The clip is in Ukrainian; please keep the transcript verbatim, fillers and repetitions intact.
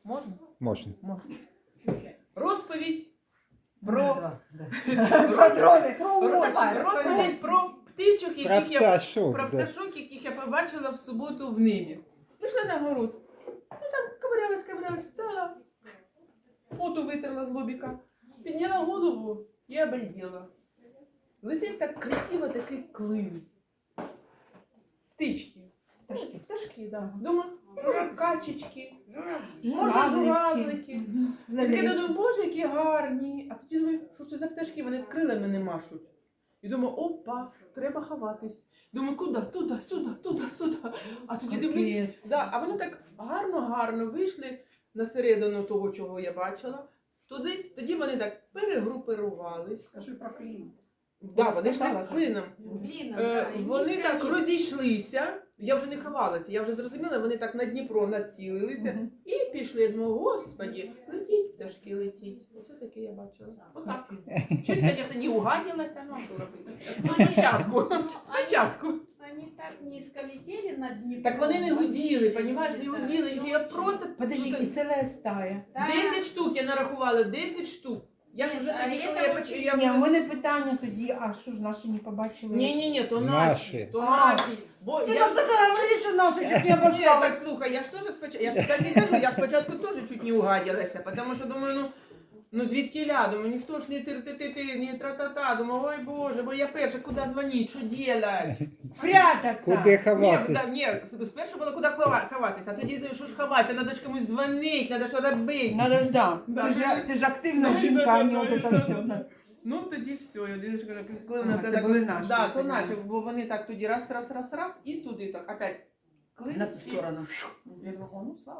Можна? Можна. Можна. Розповідь про... Про дрони. Про Давай, розповідь про птичок, Про яких я пташок. про да. пташок, яких я побачила в суботу в небі. Пішла на город. Ну там ковирялась, ковирялась, стала. Поту витерла з лобіка. Підняла голову і обалдела. Летить так красиво такий клин. Птички. Пташки. Пташки, да. Думаю, може качечки, може журавлики. Я таке думаю, боже, які гарні. А тоді думаю, що ж це за пташки, вони крилами не машуть. І думаю, опа, треба ховатись. Думаю, куди? Туди, сюди, туди, сюди. А тоді дивлюсь, да, а вони так гарно-гарно вийшли на середину того, чого я бачила. Туди, тоді вони так перегрупирувались. Скажи про клін. Да, вони йшли сказала, що- клином. Блін, Е, вони так розійшлися. Я вже не ховалася, я вже зрозуміла, вони так на Дніпро націлилися Мгм. і пішли. Я думаю, господі, летіть, пташки, летіть. Оце таке я бачила. Отак. Чуть, звісно, не угаділася, ну а що робити? Ну, спочатку. Спочатку. Они так низко летели над Днепром. Так вони не гуділи, понімаєш, не гуділи. Я просто... Подожди, і це стая. десять штук я нарахувала, десять штук. Я ж Ні, вже а тоді, це коли я от- почала... Я Ні, у вже... мене питання тоді, а що ж наші не побачили? Ні, ні, ні, то Наші. наші, то А. наші. Бо Ти я ж ж так говориш, що наші чуть не Ні, обосрали. так слухай, я ж теж спочатку, я ж так і кажу, я спочатку теж чуть не угаділася, тому що думаю, ну, ну звідки ля, думаю, ніхто ж не ти-ти-ти, не тра-та-та, думаю, ой Боже, бо я перша, куди дзвонить, що делать? Прятаться. Куди Ні, ховатись? да, ні, спершу було куди хова- ховатися, а тоді що ж ховатися, треба ж комусь дзвонити, треба що робити. Надо ж, да. Да. Ти ж, ти ж активна Да, жінка, да, а не да, от да, це да, все. да. Ну тоді все, я дивлюсь, коли Ага, вона це так, були наші, да, я то поняла. наші, бо вони так тоді раз, раз, раз, раз, і туди так, опять. На ту сторону. Я думаю, о, ну слава.